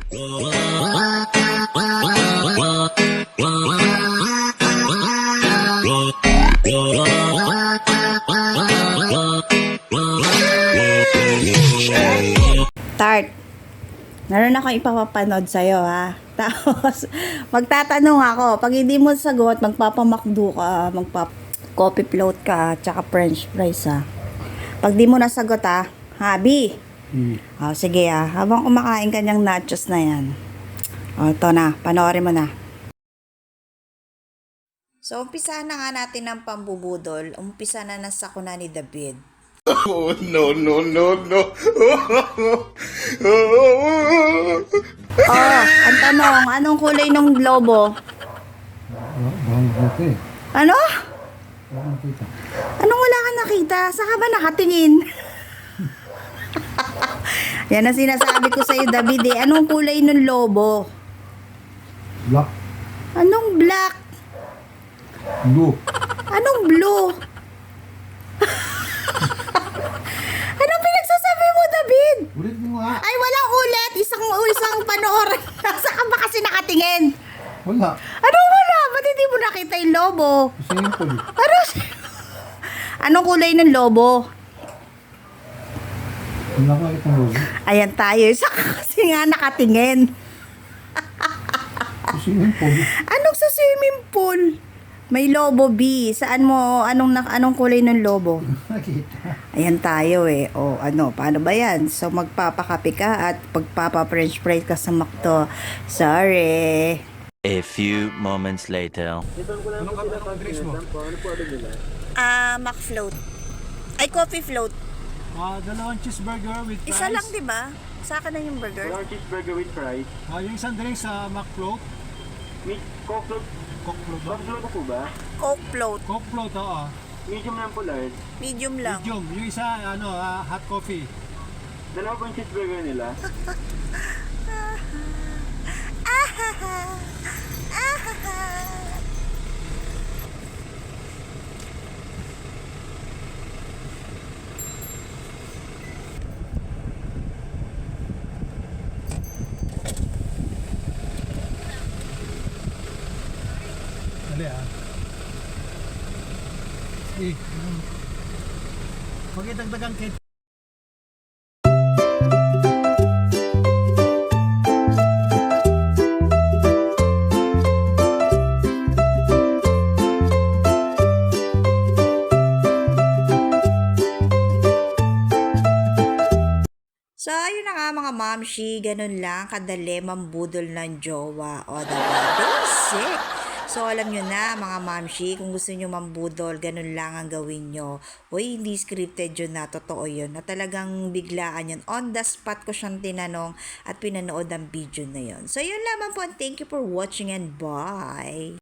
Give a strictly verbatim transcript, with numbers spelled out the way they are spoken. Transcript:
Tart, meron akong ipapapanood sa'yo, ha? Tapos, magtatanong ako. Pag hindi mo sagot, magpapamakdo ka, magpap-coffee float ka, tsaka french fries, ha? Pag di mo nasagot, ha? Habi! Hmm. O, sige, ha? Habang kumakain ka niyang nachos na yan. O, ito na. Panoorin mo na. So, umpisa na nga natin ng pambubudol. Umpisa na ng sakuna ni David. Oh, no, no, no, no. Oh, ang tanong, anong kulay ng lobo? Bawang puti. Ano? Bawang kita. Anong wala ka nakita? Saan ka ba nakatingin? Yan ang sinasabi ko sa'yo, David, eh. Anong kulay ng lobo? Black. Anong black? Blue. Anong blue? Anong pinagsasabi mo, David? Ulit mo nga. Ay, walang ulit. Isang, isang panoorin. Saan ka ba kasi nakatingin? Wala. Anong wala? Ba't hindi mo nakita yung lobo? Simple. Ano? Anong kulay ng lobo? Wala ka itong logo. Ayan tayo. Saan ka kasi nga nakatingin? Simple. Anong sa swimming pool? May lobo, B. Saan mo, anong, na- anong kulay ng lobo? Nakita. Ayan tayo eh. O ano, paano ba yan? So magpapakape ka at pagpapa-french fries ka sa McDo. Sorry. A few moments later. Anong ka ba drinks mo? Ah, Mac float. Ay, coffee float. Ah, dalawang cheeseburger with fries. Isa lang, di ba? Sa akin na yung burger. One cheeseburger with fries. Ah, yung isang drink sa McFloat. Meat, coke float. Coke float ba? Coke float po ba? Coke float. Coke float, oo. Medium lang po large. Medium lang. Medium. Yung isa, ano, ah, hot coffee. Dalawa pong cheeseburger nila. Dali ah. Eh, pag itagdagang kit. So, ayun na nga mga mamshi, ganun lang, kadali mambudol ng jowa. O, diba? Basic! So, alam nyo na mga mamshi, kung gusto nyo mambudol, ganun lang ang gawin nyo. Uy, hindi scripted yun na, totoo yun. Na talagang biglaan yun. On the spot ko siyang tinanong at pinanood ang video na yun. So, yun lamang po. Thank you for watching and bye!